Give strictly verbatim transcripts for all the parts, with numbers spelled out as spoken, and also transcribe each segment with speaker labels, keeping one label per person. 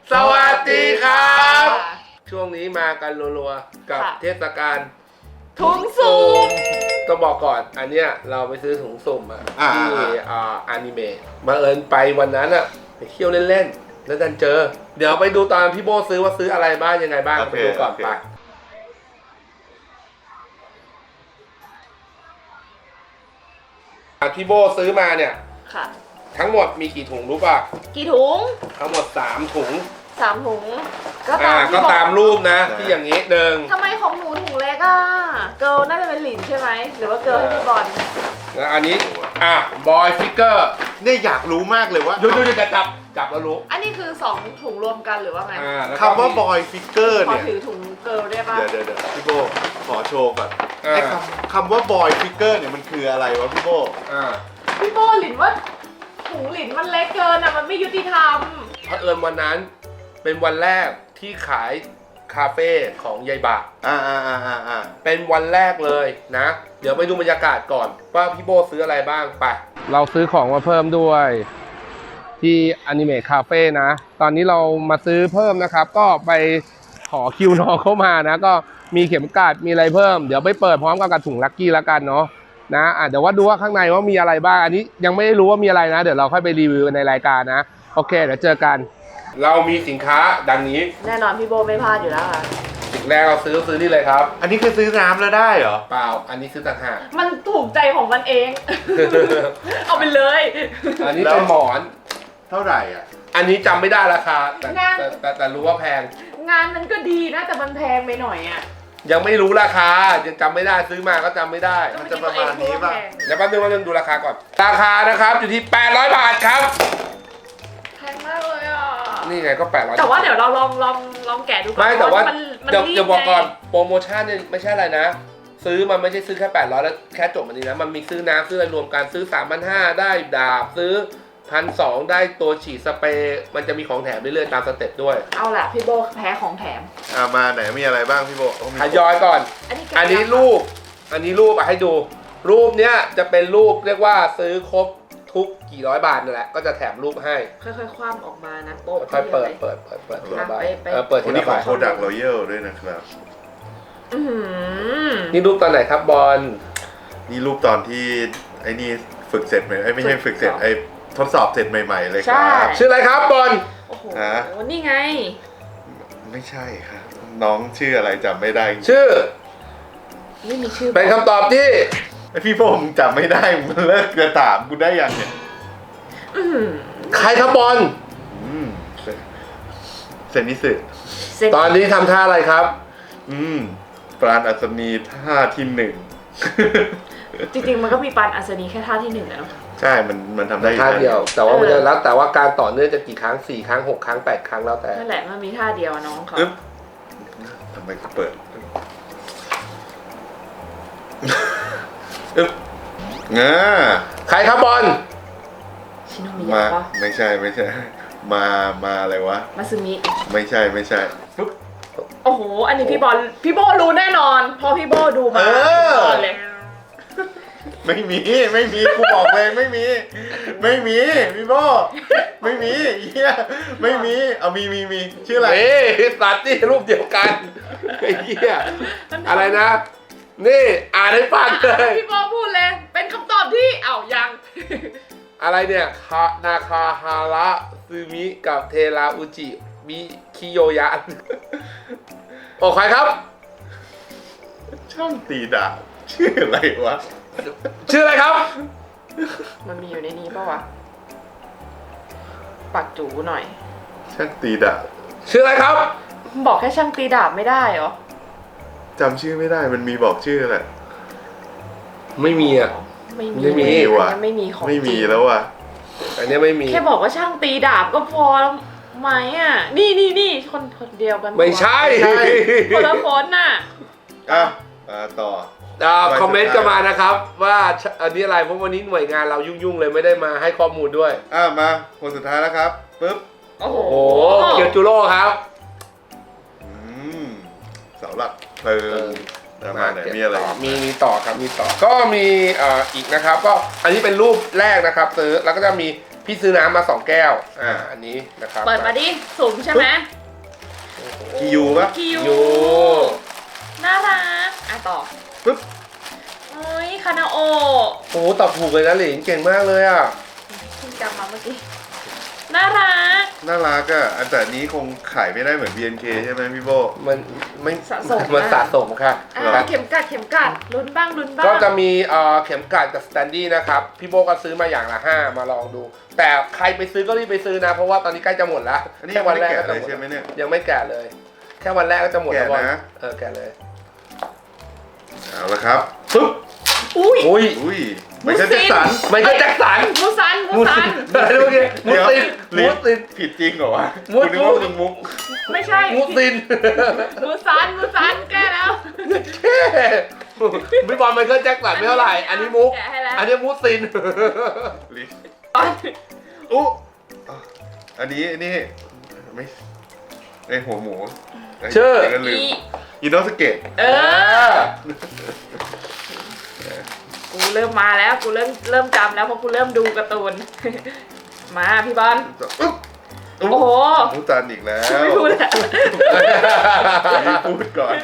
Speaker 1: สวัสดีครับช่วงนี้มากันรัวๆกับเทศกาล
Speaker 2: ถุงสุ่ม
Speaker 1: ก็บอกก่อนอันเนี้ยเราไปซื้อถุงสุ่มอะที่อ่าอนิเมะมาเอิญไปวันนั้นอะไปเที่ยวเล่นๆแล้วดันเจอเดี๋ยวไปดูตอนพี่โบซื้อว่าซื้ออะไรบ้างยังไงบ้างไปดูก่อนไปพี่โบซื้อมาเนี่ย
Speaker 2: ค่ะ
Speaker 1: ทั้งหมดมีกี่ถุงรู้ป่ะ
Speaker 2: กี่ถุง
Speaker 1: ทั้งหมดสามถุง
Speaker 2: สามถุงก็
Speaker 1: ตามก็ตามรูปนะที่อย่างนี้หนึ่ง
Speaker 2: ทำไมของหนูถุงเล็กอ่ะเกิร์ลน่าจะเป็นหลินใช่ไหมหรือว่าเกิร์ลให้พี่บอล
Speaker 1: แล้วอันนี้อ่ะบอยฟิกเกอร์
Speaker 3: เนี่ยอยากรู้มากเลยว่า
Speaker 1: ดูดูจะจับจับแล้วรู้
Speaker 2: อันนี้คือสองถุงรวมกันหรือว่าไง
Speaker 3: คำว่าบอยฟิกเกอร์เนี่ย
Speaker 2: ขอถือถุงเกิร์ลได้ป่ะ
Speaker 3: เดี๋ยวเดี๋ยวพี่โบขอโชว์ก่อนไอ้คำคำว่าบอยฟิกเกอร์เนี่ยมันคืออะไรวะพี่โบ
Speaker 2: พี่โบหลินว่าถุงหลินมันเล็กเกินอ่ะมันไม่ยุติธรรม
Speaker 1: เผอิญวันนั้นเป็นวันแรกที่ขายคาเฟ่ของยายบะ
Speaker 3: อ่าอ่าอ่าอ่า
Speaker 1: เป็นวันแรกเลยนะเดี๋ยวไปดูบรรยากาศก่อนว่าพี่โบซื้ออะไรบ้างไปเราซื้อของมาเพิ่มด้วยที่อนิเมะคาเฟ่นะตอนนี้เรามาซื้อเพิ่มนะครับก็ไปขอคิวน้องเข้ามานะก็มีเข็มกลัดมีอะไรเพิ่มเดี๋ยวไปเปิดพร้อมกับถุงลัคกี้แล้วกันเนาะนะอ่ะเดี๋ยวว่าดูว่าข้างในว่ามีอะไรบ้างอันนี้ยังไม่รู้ว่ามีอะไรนะเดี๋ยวเราค่อยไปรีวิวในรายการนะโอเคเดี๋ยวเจอกันเรามีสินค้าดังนี้
Speaker 2: แน่นอนพี่โบไม่พลาดอยู่แล้วค่ะ
Speaker 1: สิ่งแรกเราซื้อซื้อนี่เลยครับ
Speaker 3: อันนี้คือซื้อน้ำแล้วได้เหรอ
Speaker 1: เปล่าอันนี้ซื้อต่างหาก
Speaker 2: มันถูกใจของมันเอง เอาไปเลย
Speaker 1: อันนี้เป็นหมอน
Speaker 3: เท่าไหร่อ่ะ
Speaker 1: อันนี้จำไม่ได้ราคาแต่แต่แต่แต่รู้ว่าแพง
Speaker 2: งานมันก็ดีนะแต่มันแพงไปหน่อยอ่ะ
Speaker 1: ยังไม่รู้ราคายังจำไม่ได้ซื้อมาก็จำไม่ได้
Speaker 3: มันจะประมาณนี้ป่ะ
Speaker 1: เดี๋ยวแป๊บนึงแป๊บนึงดูราคาก่อนราคานะครับอยู่ที่แปดร้อยบาทครับ
Speaker 2: แพงมากเลยอ่ะ
Speaker 1: นี่ไงก็แปดร้อย
Speaker 2: แต่ว่าเดี๋ยวเราลองลองลองแกะดูก่อน
Speaker 1: ไม่แต่ว่าเดี๋ยวเดี๋ยวบอกก่อนโปรโมชั่นเนี่ยไม่ใช่อะไรนะซื้อมันไม่ใช่ซื้อแค่แปดร้อยแล้วแค่จบมันนี้นะมันมีซื้อน้ำซื้ออะไรรวมกันซื้อ สามพันห้าร้อย ได้ดาบซื้อพันสองได้ตัวฉีดสเปรย์มันจะมีของแถมเรื่อยๆตามสเต็ปด้วย
Speaker 2: เอาล่ะพี่โบแพ้ของแถม
Speaker 3: อ่ามาไหนมีอะไรบ้างพี่โบ
Speaker 1: ทยอยก่อนอันนี้รูปอันนี้รูปให้ดูรูปเนี้ยจะเป็นรูปเรียกว่าซื้อครบทุกกี่ร้อยบาทนั่นแหละก็จะแถมรูปให้
Speaker 2: ค่อยๆคว่ำออกมานะโป๊ะ
Speaker 1: ค่อยเปิดเปิดเปิดเปิดทีละใบ
Speaker 2: เปิด
Speaker 1: ทีละใบ
Speaker 3: โปรดักต์รอยัลด้วยนะครับ
Speaker 1: นี่รูปตอนไหนครับบอล
Speaker 3: นี่รูปตอนที่ไอ้นี่ฝึกเสร็จไหมไอ้ไม่ใช่ฝึกเสร็จไอ้ทดสอบเสร็จใหม่ๆเลยครับ
Speaker 1: ชื่ออะไรครับบอล
Speaker 2: โอ้โหนี่ไง
Speaker 3: ไม่ใช่ครับน้องชื่ออะไรจำไม่ได้
Speaker 1: ชื่อ
Speaker 2: ไม่มีชื่อ
Speaker 1: เป็นคำตอบที่
Speaker 3: ไอพี่ผมจำไม่ได้มึงเลิกกระถามกูได้ยังเนี่ย
Speaker 1: ใครครับบอล
Speaker 3: เซนิสึ
Speaker 1: ตอนนี้ทำท่าอะไรครับ
Speaker 3: อืมปราณอัศนีท่าที่หนึ่ง
Speaker 2: จริงๆมันก็มีปราณอัศนีแค่ท่าที่หนึ่งแล้ว
Speaker 3: ใช่มันมันทำได้
Speaker 1: ท่าเดียวแต่ว่ามันจะแล้วแต่ว่าการต่อเนื่องจะกี่ครั้งสี่ครั้งหกครั้งแปดครั้งแล้วแต่
Speaker 2: นั่นแหละมันมีท่าเดียวน้องเขา
Speaker 3: ทำไมเปิดอึ๊บงา
Speaker 1: ใครครับบอล
Speaker 3: มาไม่ใช่ไม่ใช่มามาอะไรวะ
Speaker 2: มาซึมิ
Speaker 3: ไม่ใช่ไม่ใช่
Speaker 2: โอ้โหอันนี้พี่บอลพี่โบรู้แน่นอนเพราะพี่โบดูมาเลย
Speaker 3: ไม่มีไม่มีกูบอกเลยไม่มีไม่มีพี่โบไม่มีเฮียไม่มีเอามีมีมีชื่ออะไร
Speaker 1: เฮ้ยสัตว์ที่รูปเดียวกันไอ้เฮียอะไรนะนี่อ่านให้ฟังเลย
Speaker 2: พี่โบพูดเลยเป็นคำตอบที่เอ้ายัง
Speaker 1: อะไรเนี่ยคานาคาฮาระซึมิกับเทราอุจิมิคิโยยะโอ้ใครครับ
Speaker 3: ช่างตีดาบชื่ออะไรวะ
Speaker 1: ชื่ออะไรครับ
Speaker 2: มันมีอยู่ในนี้ป่าวะปักจูหน่อย
Speaker 3: ช่างตีดาบ
Speaker 1: ชื่ออะไรครับ
Speaker 2: บอกแค่ช่างตีดาบไม่ได้เหรอ
Speaker 3: จำชื่อไม่ได้มันมีบอกชื่อแหละ
Speaker 1: ไม่มีอ่ะ
Speaker 2: ไม่มี
Speaker 3: ไม่มีว่ะ
Speaker 2: ไม่มีของ
Speaker 3: ไม่มีแล้วว่ะ
Speaker 1: อันนี้ไม่มี
Speaker 2: แค่บอกว่าช่างตีดาบก็พอไหมอ่ะนี่นี่นี่คนคนเดียวกัน
Speaker 1: ไม่ใช่
Speaker 2: คนละคนน่ะ
Speaker 3: อ่ะต่อ
Speaker 1: คอมเมนต์กันมานะครับว่าอันนี้อะไรเพราะวันนี้หน่วยงานเรายุ่งๆเลยไม่ได้มาให้ข้อมูลด้วย
Speaker 3: อ่ะมาคนสุดท้ายแล้วครับปึ๊บ
Speaker 2: โอ้โห
Speaker 1: เกียวจูโร่ครับ
Speaker 3: อืมเสาหลักเพลิงมาไหนมีอะไร
Speaker 1: มีมีต่อครับมีต่อก็มีอีกนะครับก็อันนี้เป็นรูปแรกนะครับซื้อแล้วก็จะมีพี่ซื้อน้ำมาสองแก้วอ่าอันนี้นะครับ
Speaker 2: เปิดมาดิสุ่มใช่ไหม
Speaker 3: คิยูปะ
Speaker 2: คิว
Speaker 1: ยู
Speaker 2: น่ารักอ่ะต่อ
Speaker 3: ปึ๊บ
Speaker 2: เฮ้ยคานาโอ
Speaker 1: โอ้โหตอบถูกเลยนะหลิงเก่งมากเลยอ่ะ
Speaker 2: เพิ่งจำมาเมื่อกี้น่ารัก
Speaker 3: น่ารักอ่ะอันแต่นี้คงขายไม่ได้เหมือน บี เอ็น เค ใช่ไหมพี่โบ
Speaker 1: มันไม่
Speaker 2: สะสม
Speaker 1: มันสะสมค่ะ
Speaker 2: อ่ะเข็มกัดเข็มกัดลุ้นบ้างลุ้นบ้าง
Speaker 1: ก็จะมีเอ่อเข็มกลัดกับสแตนดี้นะครับ พี่โบก็ซื้อมาอย่างละห้ามาลองดู แต่ใครไปซื้อก็รีบไปซื้อนะ เพราะว่าตอนนี้ใกล้จะหมดแล้ว
Speaker 3: อันนี้
Speaker 1: แค่
Speaker 3: ยัง
Speaker 1: วั
Speaker 3: ไม่
Speaker 1: น
Speaker 3: ได้
Speaker 1: แรก
Speaker 3: แกะ
Speaker 1: ก็
Speaker 3: เล
Speaker 1: จะหมด
Speaker 3: ยใช่ไหมเนี่ย
Speaker 1: ยังไม่แก่เลย แค่วันแรกก็จะหมดแล้ว
Speaker 3: แกะนะ
Speaker 1: เออแก่เลย
Speaker 3: เอาละครับ
Speaker 1: ปึ๊บ
Speaker 2: อุ้ย
Speaker 1: อุ้ย
Speaker 3: อุ้ยไม่ใช่แจ็คสัน
Speaker 1: ไม่ใช่แจ็คสัน
Speaker 2: มูซันมูซัน
Speaker 1: อะไรเมื่อกี้มู
Speaker 3: เดี๋ยว
Speaker 1: ซิน
Speaker 3: ลิ้
Speaker 1: มู
Speaker 3: น
Speaker 1: ซิน
Speaker 3: ผิดจริงเหรอวะ
Speaker 1: มุด
Speaker 3: คุณนึกว่ามึงมุก
Speaker 2: ไม่ใช่
Speaker 1: มูซิน
Speaker 2: มูซันมูซันแก้แล้ว
Speaker 1: แค่พี่บอลไมเคิลแจ็คสันไม่เท่าไหร่ อันนี้มุก
Speaker 2: แกะให้แล้ว
Speaker 1: อันนี้มูซิน
Speaker 3: ลิ้นอู้อ่ะอันนี้อันนี้ไม่ไอหัวหมูไ
Speaker 1: ชื่อ
Speaker 3: เดี๋ยวก็ลืม
Speaker 2: อี
Speaker 3: อินโนสเกต
Speaker 2: เออ กูเริ่มมาแล้วกูเริ่มเริ่มจำแล้วเพราะกูเริ่มดูการ์ตูน มาพี่บอล
Speaker 3: อุ๊บ
Speaker 2: โอ้โห
Speaker 3: มุกจันอีกแล้ว
Speaker 2: ไม่พูดแล้ว
Speaker 3: นี่พูดก่อน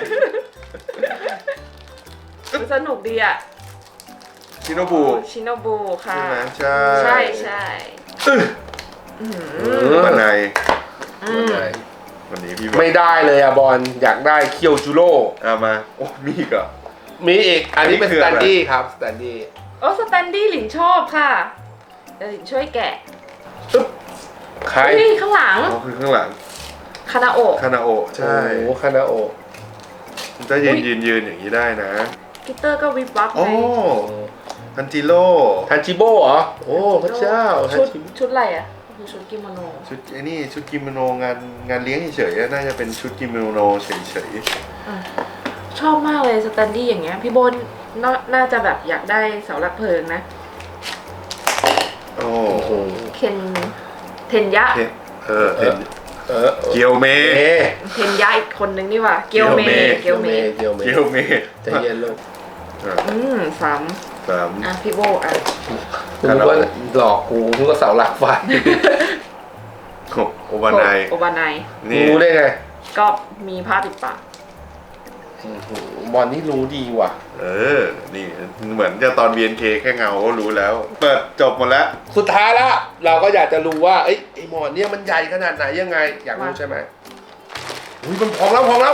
Speaker 2: สนุกดีอ่ะ
Speaker 3: ชิโนบุ
Speaker 2: ชิโนบุค่ะ
Speaker 3: ใช่ไหมใช่
Speaker 2: ใช่ใช่
Speaker 3: อื้อ
Speaker 2: อืม
Speaker 3: บันได
Speaker 2: อืม
Speaker 3: วันนี้พี่บอก
Speaker 1: ไม่ได้เลยอะบอลอยากได้เคียวจูโร่
Speaker 3: เอามา โอ้มีอีกเหรอ
Speaker 1: มีอีก อันนี้เป็น
Speaker 3: อันนี้คื
Speaker 1: ส
Speaker 3: อ
Speaker 1: แต
Speaker 3: อะไร
Speaker 1: นดี้ครับสแตนดี้
Speaker 2: โอ้สแตนดี้หลินชอบค่ะเดี๋ยวหลินช่วยแกะ
Speaker 1: ปึ๊บใคร
Speaker 2: เฮ้ยข้างหลัง
Speaker 3: อ๋อคือข้างหลัง
Speaker 2: คานาโอะ
Speaker 3: คานาโอะใช่
Speaker 1: โอ้โหคานาโอ
Speaker 3: มันจะยืนยืนยืนอย่างนี้ได้นะ
Speaker 2: กิตเตอร์ก็วิบวับ
Speaker 3: โอ้
Speaker 2: ไง
Speaker 3: ฮันจิโร่
Speaker 1: ฮันจิโบเหรอ โอ้พระเจ้าฮัน
Speaker 2: ชุด
Speaker 1: จิ
Speaker 2: ชุดอะไรอ่ะคือชุดกิโมโน
Speaker 3: ชุดไอ้นี่ชุดกิโมโนงานงานเลี้ยงเฉยๆน่าจะเป็นชุดกิโมโนเฉย
Speaker 2: อ่ะชอบมากเลยสแตนดี้อย่างเงี้ยพี่โบนนาน่าจะแบบอยากได้เสาหลักเพลิงนะ
Speaker 3: ๆโอ้
Speaker 1: โอ้โห
Speaker 2: เคนเทนยะ
Speaker 3: เทเออเทน
Speaker 1: เออ
Speaker 3: เกียวเม
Speaker 1: เอ
Speaker 2: เทนยะอีกคนนึงนี่หว่าเกียวเม
Speaker 1: เกียวเมเกียวเม
Speaker 3: เกียวเม
Speaker 1: ใจะเย็นลูก
Speaker 3: อ่ะ
Speaker 2: อืมสาม
Speaker 3: สาม
Speaker 2: อ่ะพี่โบอ่ะ
Speaker 1: กูนึกว่าหลอกกูนึกว่าเสาหลักไฟ
Speaker 3: หกโอบานาย
Speaker 2: โอบานาย
Speaker 3: นี่
Speaker 1: รู้ได้ไง
Speaker 2: ก็มีผ้าปิดปาก
Speaker 1: อื้อหือบอลนี่รู้ดีว่ะ
Speaker 3: เออ นี่เหมือนจะตอน บี เอ็น เค แค่เงาก็รู้แล้ว เปิดจบหมดแล้ว
Speaker 1: สุดท้ายแล้วเราก็อยากจะรู้ว่าเอ้ยไอหมอนเนี่ยมันใหญ่ขนาดไหนยังไง อยากรู้ใช่ไหมอุ้ยมันพองแล้วพองแล้ว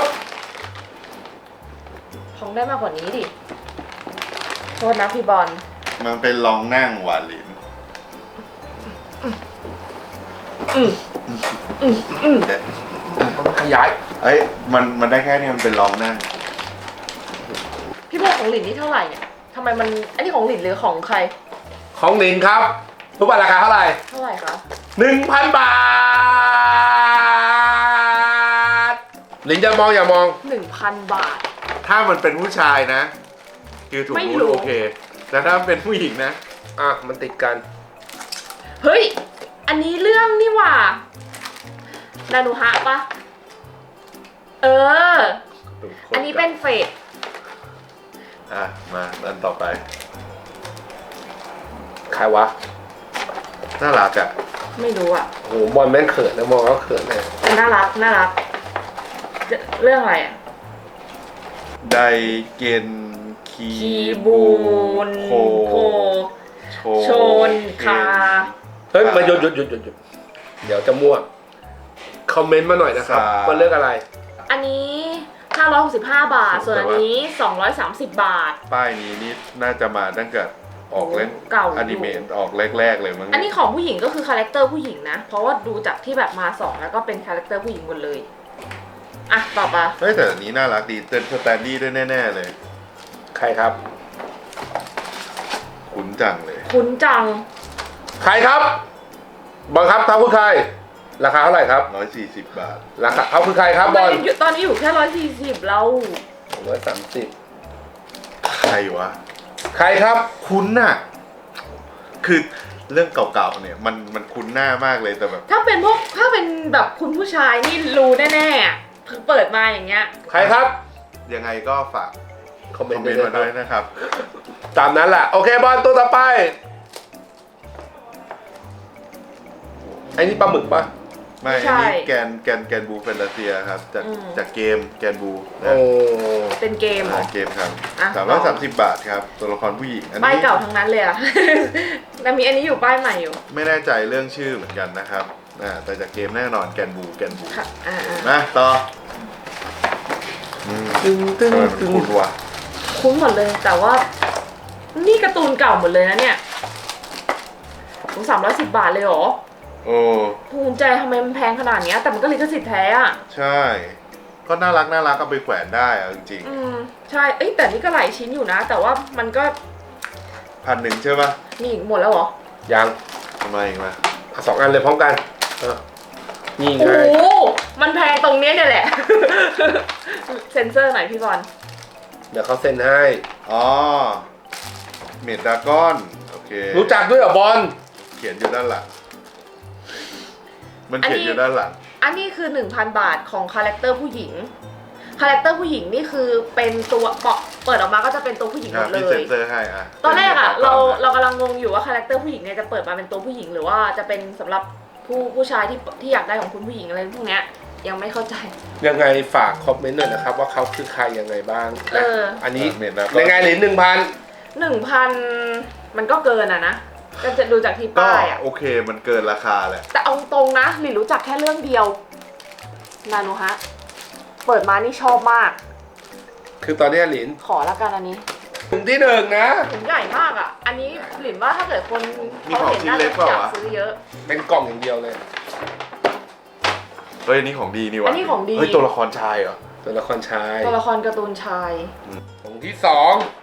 Speaker 2: คงได้มากกว่านี้ดิโทษนะพี่บอล
Speaker 3: มันเป็นลองนั่งหวานลิ้น
Speaker 2: อืมอืมอืม
Speaker 1: มันขยาย
Speaker 3: เอ้ยมันมันได้แค่นี้มันเป็นลองนั่ง
Speaker 2: พี่โบของหลินนี่เท่าไหร่เนี่ยทำไมมันอันนี้ของหลินหรือของใคร
Speaker 1: ของลินครับรู้ป่ะราคาเท่าไหร่
Speaker 2: เท่าไหร่คะ
Speaker 1: หนึ่งพันบาทลินจะมองอย่ามอง
Speaker 2: หนึ่งพันบาท
Speaker 3: ถ้ามันเป็นผู้ชายนะ คือถูก
Speaker 2: ไม่รู้
Speaker 3: รู้โอเค แต่ถ้าเป็นผู้หญิงนะ
Speaker 1: อ่ะมันติดกัน
Speaker 2: เฮ้ย อันนี้เรื่องนี่หว่านานุฮะปะเออ อันนี้เป็นเฟส
Speaker 3: อ่ะ มาอันต่อไป
Speaker 1: ใครวะ
Speaker 3: น่ารักอ่ะ
Speaker 2: ไม่รู้อ่ะ
Speaker 1: โหบอลแม่งเขินนะมองแล้วเขินเลย
Speaker 2: แต่น่ารักน่ารักจะเรื่องอะไรอ่ะ
Speaker 3: ไดเกนคี
Speaker 2: คีบูน
Speaker 3: โค
Speaker 2: โค
Speaker 3: โช
Speaker 2: โชนคา
Speaker 1: เฮ้ยมาหยุดหยุดหยุดหยุดหยุดเดี๋ยวจะมั่วคอมเมนต์มาหน่อยนะครับว่าเลือกอะไร
Speaker 2: อันนี้ห้าร้อยหกสิบห้าบาท ส่วนอันนี้สองร้อยสามสิบบาท
Speaker 3: ป้ายนี้นี่น่าจะมาตั้งแต่ออกเล่น
Speaker 2: เก่าอยู่
Speaker 3: อนิเมะออกแรกๆเลยมั้ง
Speaker 2: อันนี้ของผู้หญิงก็คือคาแรคเตอร์ผู้หญิงนะ เพราะว่าดูจากที่แบบมาสองแล้วก็เป็นคาแรคเตอร์ผู้หญิงหมดเลย อ่ะต่อไป
Speaker 3: เฮ้ยแต่อันนี้น่ารักดีเต้นสแตนดี้ด้วยแน่ๆเลย
Speaker 1: ใครครับ
Speaker 3: คุ้นจังเลย
Speaker 2: คุ้นจัง
Speaker 1: ใครครับบังคับเขาคือใคร ราคาเท่าไหร่ครับ
Speaker 3: ร้อยสี่สิบบาท
Speaker 1: ราคาเขาคือใครครับบอล
Speaker 2: อยู่ตอนนี้อยู่แค่ร้อยสี่สิบเรา
Speaker 1: ร้อยสามสิบ
Speaker 3: ใครวะ
Speaker 1: ใครครับ
Speaker 3: คุ้นน่ะ คือเรื่องเก่าๆเนี่ยมันมันคุ้นหน้ามากเลยแต่แบบ
Speaker 2: ถ้าเป็นพวกถ้าเป็นแบบคุณผู้ชายนี่รู้แน่ๆอะคือเปิดมาอย่างเงี้ย
Speaker 1: ใครครับ
Speaker 3: ยังไงก็ฝาก
Speaker 1: คอมเม
Speaker 3: คอน ม
Speaker 1: ต์
Speaker 3: เมนต์
Speaker 1: ด้
Speaker 3: มา
Speaker 1: วย
Speaker 3: ด้วย
Speaker 1: นะ
Speaker 3: นะครับ
Speaker 1: ตามนั้นแหละโอเคบอลตัวต่อไปไอ้นี่ปลาหมึกปะ
Speaker 3: ไม่
Speaker 2: ใช่
Speaker 3: อันนี้แกนแกนแกนบูแฟนตาเซียครับจาก
Speaker 2: อืม
Speaker 3: จากเกมแกนบู
Speaker 1: โอ้
Speaker 2: เป็นเกมเหรอ
Speaker 3: อ่าเกมครับ
Speaker 2: อ่ะ
Speaker 3: สามร้อยสามสิบบาทครับตัวละครผู้หญิงอัน
Speaker 2: ป้าย
Speaker 3: นี้
Speaker 2: เก่าทั้งนั้นเลยอะ แล้วมีอันนี้อยู่ป้ายใหม่อยู่
Speaker 3: ไม่แน่ใจเรื่องชื่อเหมือนกันนะครับอ่าแต่จากเกมแน่นอนแกนบูแกนบู
Speaker 2: ค่ะอ่า
Speaker 3: นะต่ออืม
Speaker 1: ตึงตึง
Speaker 3: ทำไมมัน
Speaker 1: ตึง
Speaker 3: คุ้นวะ
Speaker 2: ๆคุ้นหมดเลย แต่ว่า นี่การ์ตูนเก่าหมดเลยนะเนี่ยถึงสามร้อยสิบบาทเลยเหรอ
Speaker 3: โอ้
Speaker 2: ภูมิใจทำไมมันแพงขนาดเนี้ยแต่มันก็ลิขสิทธิ์แท้อะ
Speaker 3: ใช่ ก็น่ารักน่ารักเอาไปแขวนได้อะจริง
Speaker 2: อืมใช่ เอ้ยแต่นี่ก็หลายชิ้นอยู่นะ แต่ว่ามันก็
Speaker 3: ๆพันหนึ่งใช่ปะ
Speaker 2: นี่หมดแล้วเหรอ
Speaker 1: ยัง
Speaker 3: ทำไมอีกมา
Speaker 1: เอาสองอันเลยพร้อมกันเออนี่ไง
Speaker 2: โอ้โหมันแพงตรงเนี้ยเนี่ยแหละ เซ็นเซอร์หน่อยพี่บอล
Speaker 1: เดี๋ยวเขาเซ็นให้
Speaker 3: อ๋อเมดดากอนโอเค
Speaker 1: รู้จักด้วยเหรอบอล
Speaker 3: เขียนอยู่ด้านหลังมันเขียนอยู่ด้านหลัง
Speaker 2: อันนี้คือ หนึ่งพัน บาทของคาแรคเตอร์ผู้หญิง คาแรคเตอร์ผู้หญิงนี่คือเป็นตัวเปาะเปิดออกมาก็จะเป็นตัวผู้หญิงหม
Speaker 3: อ่ะ
Speaker 2: ดเล
Speaker 3: พี่เซ็
Speaker 2: ย
Speaker 3: นเซอร์ให้อ่ะ
Speaker 2: ตอนแรกอะ
Speaker 3: ป็น
Speaker 2: เรา
Speaker 3: มด
Speaker 2: เรากำลังงงอยู่ว่าคาแรคเตอร์ผู้หญิงเนี่ยจะเปิดมาเป็นตัวผู้หญิงหรือว่าจะเป็นสำหรับผู้ผู้ชายที่ที่อยากได้ของคุณผู้หญิงอะไรพวกเนี้ยยังไม่เข้าใจ
Speaker 1: ยังไงฝากคอมเมนต์หน่อยนะครับว่าเขาคือใครยังไงบ้าง
Speaker 2: เอ
Speaker 1: นะ
Speaker 2: อ
Speaker 1: อันนี้
Speaker 3: เมดดากอน
Speaker 1: ยังไงเหรียญหนึ่งพัน
Speaker 2: หนึ่งพันมันก็เกินอะนะ ก็จะดูจากที่
Speaker 3: ก็
Speaker 2: ป้ายอะ
Speaker 3: โอเคมันเกินราคาแหละ
Speaker 2: แต่เอาตรงนะหลินรู้จักแค่เรื่องเดียวนานุฮะ เปิดมานี่ชอบมาก
Speaker 1: คือตอนนี้เหรียญ
Speaker 2: ขอละกันอันนี้
Speaker 1: ถึงที่หนึ่งนะ
Speaker 2: ถุงใหญ่มากอ่ะ อันนี้หลินว่าถ้าเกิดคน
Speaker 3: มี
Speaker 2: เขา
Speaker 3: ของ
Speaker 2: เห็น
Speaker 3: ชิ้น
Speaker 2: น่า
Speaker 3: เล็
Speaker 2: จะ
Speaker 3: กเปล่า
Speaker 2: อยาก
Speaker 3: วะ
Speaker 2: ซื้อเยอะ
Speaker 1: เป็นกล่องอย่างเดียวเลย
Speaker 3: เฮ้ยอันนี้ของดีนี่วะ
Speaker 2: อันนี้ของดี
Speaker 3: เฮ้ยตัวละครชายเหรอ
Speaker 1: ตัวละครชาย
Speaker 2: ตัวละครการ์ตูนชาย
Speaker 1: ของที่สอง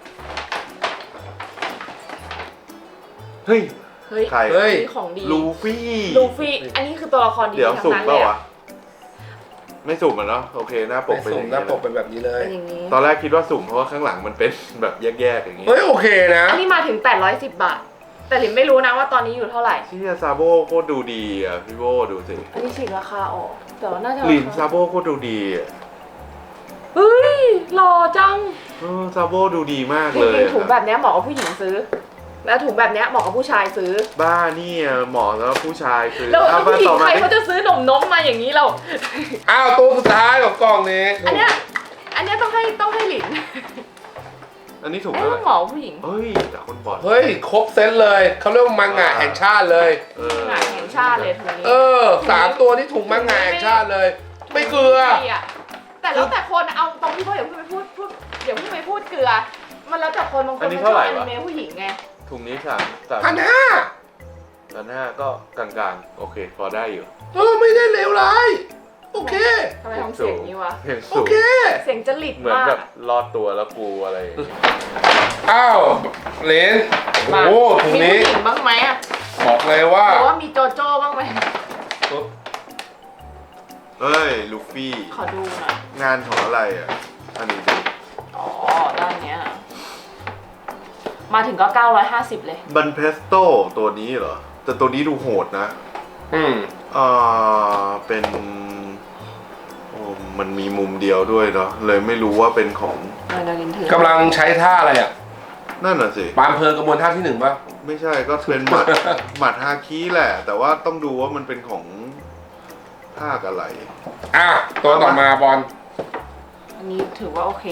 Speaker 3: เฮ้ย
Speaker 2: เฮ้ย
Speaker 3: ใคร
Speaker 1: เฮ้ย
Speaker 2: นี่ของดี
Speaker 3: ลูฟี่
Speaker 2: ลูฟี่อันนี้คือตัวละครดี
Speaker 3: เดี๋ยว
Speaker 2: ทั้
Speaker 3: สุ่
Speaker 2: ง
Speaker 3: ม
Speaker 2: นั้น
Speaker 3: เป
Speaker 2: เล
Speaker 3: ล่าย วะ
Speaker 2: อะ
Speaker 3: ไม่สุ่มอ่ะเนาะโอเคหน้าปก
Speaker 1: ไป
Speaker 3: เป็นอ
Speaker 1: สุ่ม
Speaker 3: ย่าง
Speaker 1: หน้า
Speaker 3: นี้
Speaker 1: ปกเป็นแบบนี้เลย
Speaker 2: เป็นอย่างนี้
Speaker 3: ตอนแรกคิดว่าสุ่มเพราะว่าข้างหลังมันเป็น แบบแยกๆอย่างงี้
Speaker 1: เฮ้ยโอเคนะ
Speaker 2: อันนี้มาถึงแปดร้อยสิบบาท แต่หลินไม่รู้นะว่าตอนนี้อยู่เท่าไหร่
Speaker 3: ที่ซาโบโคตรดูดีอ่ะพี่โบดูสิ
Speaker 2: อันนี้ฉีกราคาออก แต่ว่าน่าจะ
Speaker 3: ลินซาโบโคตรดูดีอะ
Speaker 2: เฮ้ยหล่อจัง
Speaker 3: เออซาโบดูดีมาก
Speaker 2: จ
Speaker 3: เลย
Speaker 2: ริงๆถุง
Speaker 3: อะ
Speaker 2: แบบเนี้ยเหมาะกับผู้หญิงซื้อ แล้วถุงแบบเนี้ยเหมาะกับผู้ชายซื้อ
Speaker 3: บ้านี่อะเหมาะสำหรับผู้ชายคือ
Speaker 2: แล้ว
Speaker 3: เอา
Speaker 2: ผู้
Speaker 3: มา
Speaker 2: หญิ
Speaker 3: ต่อง
Speaker 2: ใค
Speaker 3: มาร
Speaker 2: เขาจะซื้อหนมนมมาอย่างนี้เรา
Speaker 1: อ้าวตัวสุดท้ายของกล่องนี้
Speaker 2: อันเนี้ย อันเนี้ยต้องให้ต้องให้หลิน
Speaker 3: อันนี้ถูก
Speaker 2: เอ๊ะ
Speaker 3: แล้ว
Speaker 2: หมอผู้หญิง
Speaker 3: เฮ้ยจากคนบอด
Speaker 1: เฮ้ยครบเซตเลยเขาเรียกว่ามังงะแห่งชาติเลย
Speaker 3: เออ
Speaker 2: หงายแห่งชาติเลยถุงนี้
Speaker 1: เออสามตัวที่ถูกมังงะแห่งชาติเลย ไม่เกลือ
Speaker 2: ไม่อะแต่แล้วแต่คนเอาตรงที่พ่ออย่าเพิ่งไปพูดพูดเดี๋ยวเพิ่งไปพูดเกลือ มันแล้วแต่คนบางคนมันชอบอนิเมะผู้หญิงไง
Speaker 3: ถุงนี้สามสาม
Speaker 1: พันห้า
Speaker 3: พันห้าก็กลางๆ โอเค พอได้อยู่
Speaker 1: เออไม่ได้เลวร้ายโอเค
Speaker 2: ทำไมทำเสียงนี้วะ
Speaker 3: เพียง
Speaker 1: โอ
Speaker 3: สูง
Speaker 1: เค
Speaker 2: เสียงจริต
Speaker 3: เหมือน
Speaker 2: มาก
Speaker 3: แบบ
Speaker 2: อะ
Speaker 3: รอดตัวแล้วกูอะไรอย่างเงี้ย
Speaker 1: อ้าวเหรนโอ้โหถุง
Speaker 2: มี
Speaker 1: นี้
Speaker 2: ผู้หญิงบ้างไหมอะ
Speaker 1: บอกเลยว่า
Speaker 2: หรือว่ามีโจโจ้บ้างไหม
Speaker 3: เฮ้ย ลูฟี่
Speaker 2: ขอดูหน่อย
Speaker 3: งานของอะไรอ่ะ อันนี้ดิ
Speaker 2: อ๋อด้านเนี้ยมาถึงก็เก้าร้อยห้าสิบเลย
Speaker 3: บันเพสโตตัวนี้เหรอ แต่ตัวนี้ดูโหดนะ
Speaker 1: อืม
Speaker 3: อ่า เป็นโอ้มันมีมุมเดียวด้วยเนาะ เลยไม่รู้ว่าเป็นของ
Speaker 2: เออเดี๋ยวลินถือก
Speaker 1: ำลังใช้ท่าอะไรอ่ะ
Speaker 3: นั่นน่ะสิ
Speaker 1: ปามเพลิงกระบวนท่าที่หนึ่งป่ะ
Speaker 3: ไม่ใช่ก็เป็นหมัด หมัดฮาคิแหละ แต่ว่าต้องดูว่ามันเป็นของภาคอะไร
Speaker 1: อ่ะตัวต่อมาบอล
Speaker 2: อันนี้ถือว่าโอเค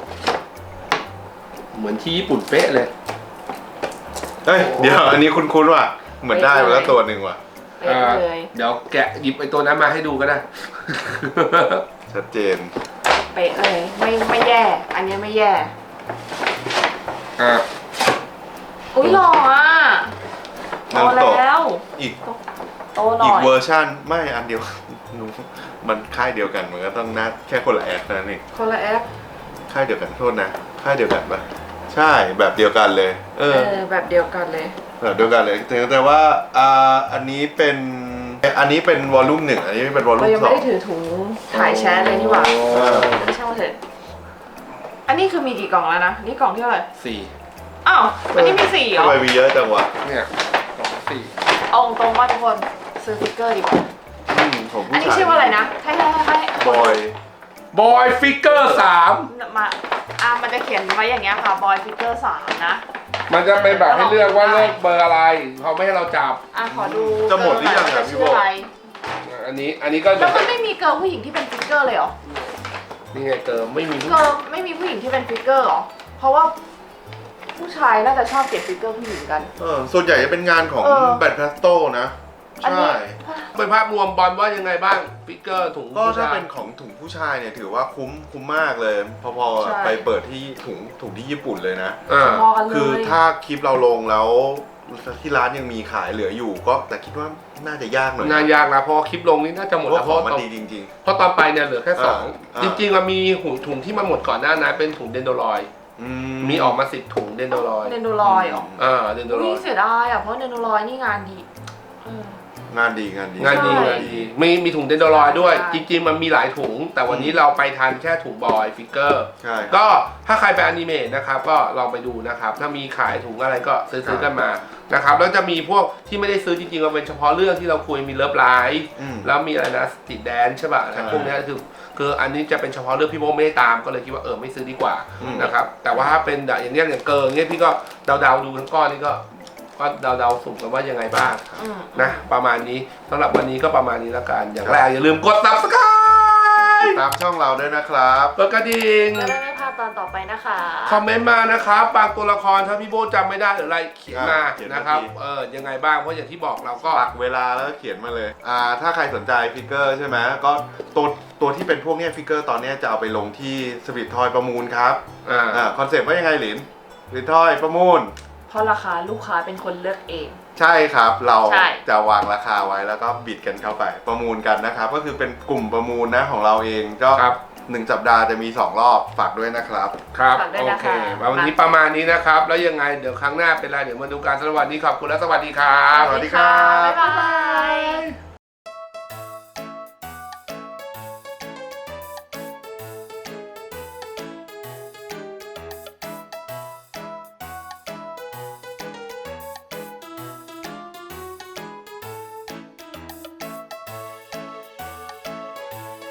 Speaker 1: เหมือนที่ญี่ปุ่นเป๊ะเลย
Speaker 3: เฮ้ย เดี๋ยวอันนี้คุ้นๆว่ะ เหมือนได้ไปแล้วตัวหนึ่งว่ะ
Speaker 2: เป๊ะเลย
Speaker 1: เดี๋ยวแกะหยิบไอ้ตัวนั้นมาให้ดูก็ได้
Speaker 3: ชัดเจน
Speaker 2: เป๊ะเลย ไม่ไม่แย่ อันนี้ไม่แย่
Speaker 1: อ่ะ
Speaker 2: อุ้ยหล่ออ่ะโต
Speaker 3: นารูโตะ
Speaker 2: แล้ว
Speaker 3: อีก
Speaker 2: โตหน่
Speaker 3: อี
Speaker 2: อก ย
Speaker 3: เวอร์ชันไม่อันเดียว หนูมันค่ายเดียวกันมันก็ต้องนัดแค่คนละแอดนั่นเอง
Speaker 2: คนละแอป
Speaker 3: ค่ายเดียวกันโทษนะค่ายเดียวกันปะใช่แบบเดียวกันเลย เอ
Speaker 2: เอ
Speaker 3: อ
Speaker 2: อแบบเดียวกันเลย
Speaker 3: แบบเดียวกันเลยแต่แต่ว่าอ่าอันนี้เป็นอันนี้เป็นวอลลุ่มหนึ่งอันนี้เป็นวอล
Speaker 2: เรา
Speaker 3: ลุ่ม
Speaker 2: ยัง
Speaker 3: ส
Speaker 2: ไม่
Speaker 3: อง
Speaker 2: ได้ถือถุงถ่ายแชทเลยนี่หว่า
Speaker 3: เออ
Speaker 2: ไม่ช่างมันเถอะอันนี้คือมีกี่กล่องแล้วนะ นี่กล่องที่เท่าไหร่
Speaker 1: สี่
Speaker 2: อ้าว อันนี้มีสี่เหร
Speaker 3: ทำ
Speaker 2: อ
Speaker 3: ไมมีเยอะจังวะ
Speaker 1: เนี่ยกล่องสี่
Speaker 2: เอาตรงๆว่าทุกคนซื้อสติ๊กเกอร์ดีกว่า
Speaker 3: อืมของ
Speaker 2: อัน
Speaker 3: ผู้
Speaker 2: นี้
Speaker 3: ชาย
Speaker 2: ชื่อว่าอะไรนะ ให้ให้ให้ให้
Speaker 3: บอย
Speaker 1: บอยฟิกเกอร์สาม
Speaker 2: มาอ่ามันจะเขียนไว้อย่างเงี้ยค่ะ บอยฟิกเกอร์สามนะ
Speaker 1: มันจะเป็นแบบให้เลือกว่าเลือกเบอร์อะไรเขาไม่ให้เราจับ
Speaker 2: อ่ะขอดู
Speaker 3: จะหมดหรือยังอ่ะพี่โบ
Speaker 2: ชื่ออะไร
Speaker 1: อันนี้อันนี้ก็
Speaker 2: แล้วมันไม่มีเกิร์ลผู้หญิงที่เป็นฟิกเกอร์เลยเหรอ
Speaker 1: นี่ไงเติมไม่มี
Speaker 2: เกิร์ลไม่มีผู้หญิงที่เป็นฟิกเกอร์เหรอ เพราะว่าผู้ชายน่าจะชอบเก็บฟิกเกอร์ผู้หญิงกัน
Speaker 3: เออส่วนใหญ่จะเป็นงานของ
Speaker 2: เออ
Speaker 3: แบทพลาสโตนะ
Speaker 2: อันนี้
Speaker 3: ใช่
Speaker 1: เป็นภาพรวมบอลว่ายังไงบ้างฟิกเกอร์ถุง
Speaker 3: ก็
Speaker 1: ผู้
Speaker 3: ถ้า
Speaker 1: ชาย
Speaker 3: เป็นของถุงผู้ชายเนี่ยถือว่าคุ้มคุ้มมากเลย พอ
Speaker 2: ใช่
Speaker 3: ๆไปเปิดที่ถุงถุงที่ญี่ปุ่นเลยนะ
Speaker 1: อ่า
Speaker 2: พอกันเลย
Speaker 3: คือถ้าคลิปเราลงแล้วที่ร้านยังมีขายเหลืออยู่ก็แต่คิดว่าน่าจะยากหน่อย
Speaker 1: งานยากนะเพราะว่าคลิปลงนี่น่าจะหมด
Speaker 3: เพ
Speaker 1: แล้ว
Speaker 3: ราะ
Speaker 1: เพ
Speaker 3: ของ
Speaker 1: ราะ
Speaker 3: มัน
Speaker 1: ตอน
Speaker 3: ดีจริง
Speaker 1: เพราะตอนไปเนี่ยเหลือแค่สอง
Speaker 3: อ่า
Speaker 1: จริงๆมันมีถุงถุงที่มันหมดก่อนหน้านั้นเป็นถุงเดนโดรอย
Speaker 3: ๆอื
Speaker 1: มีออกมาสิบถุงเดนโดรอย
Speaker 2: เนนโดรอยเหรอ
Speaker 1: อ่าเดนโดร
Speaker 2: อุ้
Speaker 1: อย ย
Speaker 2: เสียดายอ่ะเพราะเนนโดรอยนี่งานดีเออง
Speaker 3: านดีงานดี
Speaker 1: งานดี
Speaker 2: ใช่
Speaker 1: งานดีมีมีถุงเดนโดรอยด้วย
Speaker 2: ใช่
Speaker 1: จริงๆมันมีหลายถุง แต่วันนี้เราไปทันแค่ถุงบอยฟิกเกอร์
Speaker 3: ใช่
Speaker 1: ก็ถ้าใครไปอนิเมะนะครับก็ลองไปดูนะครับ ถ้ามีขายถุงอะไรก็ซื้อซื้อกันมานะครับแล้วจะมีพวกที่ไม่ได้ซื้อจริงๆมันเป็นเฉพาะเรื่องที่เราคุยมีเลิฟไลฟ์
Speaker 3: อืม
Speaker 1: แล้วมีอะไรนะสตรีทแดนใช่ป่ะ
Speaker 3: ใช่
Speaker 1: พวกเนี้ยคือคืออันนี้จะเป็นเฉพาะเรื่องพี่โมไม่ได้ตามก็เลยคิดว่าเออไม่ซื้อดีกว่า
Speaker 3: อืม
Speaker 1: นะครับแต่ว่าถ้าเป็นอย่างเนี้ยอย่างเกินเนี้ยพี่ก็เดาๆดูทั้งก้อนนี่ก็ก็เดาๆสุ่มกันว่ายังไงบ้าง
Speaker 2: อืม
Speaker 1: นะประมาณนี้สำหรับวันนี้ก็ประมาณนี้แล้วกันอย่างแรกอย่าลืมกด ซับสไครบ์
Speaker 3: ตามช่องเราด้วยนะครับ
Speaker 1: กดกระดิ่ง
Speaker 2: จะได้ไม่พลาดตอนต่อไปนะคะ
Speaker 1: คอมเมนต์มานะครับบางตัวละครถ้าพี่โบจำไม่ได้หรืออะไรเขียนมา
Speaker 3: เขียนมา
Speaker 1: นะครับ
Speaker 3: ที
Speaker 1: เออยังไงบ้างเพราะอย่างที่บอกเราก็
Speaker 3: ปักเวลาแล้วก็เขียนมาเลย อ่า ถ้าใครสนใจฟิกเกอร์ใช่ไหมก็ตัวตัวที่เป็นพวกเนี้ยฟิกเกอร์ตอนเนี้ยจะเอาไปลงที่สปิททอยประมูลครับ
Speaker 1: อ่า
Speaker 3: อ่า คอนเซ็ปต์ว่ายังไงหลินสปิททอยประมูล
Speaker 2: เพราะราคาลูกค้าเป็นคนเลือกเอง
Speaker 3: ใช่ครับ เรา
Speaker 2: ใช่
Speaker 3: จะวางราคาไว้แล้วก็บิดกันเข้าไป ประมูลกันนะครับ ก็คือเป็นกลุ่มประมูลนะของเราเอง ก็
Speaker 1: ครับ
Speaker 3: หนึ่งสัปดาห์จะมีสองรอบฝากด้วยนะครับ
Speaker 1: ครับ
Speaker 2: ฝากด้วย
Speaker 1: โอ
Speaker 2: นะ
Speaker 1: เค
Speaker 2: คะ
Speaker 1: วันนี้ประมาณนี้นะครับ แล้วยังไงเดี๋ยวครั้งหน้าเป็นไรเดี๋ยวมาดูการสวัสดีขอบคุณและสวัสดีครับ
Speaker 3: สวัสดีครับ
Speaker 2: บ๊ายบาย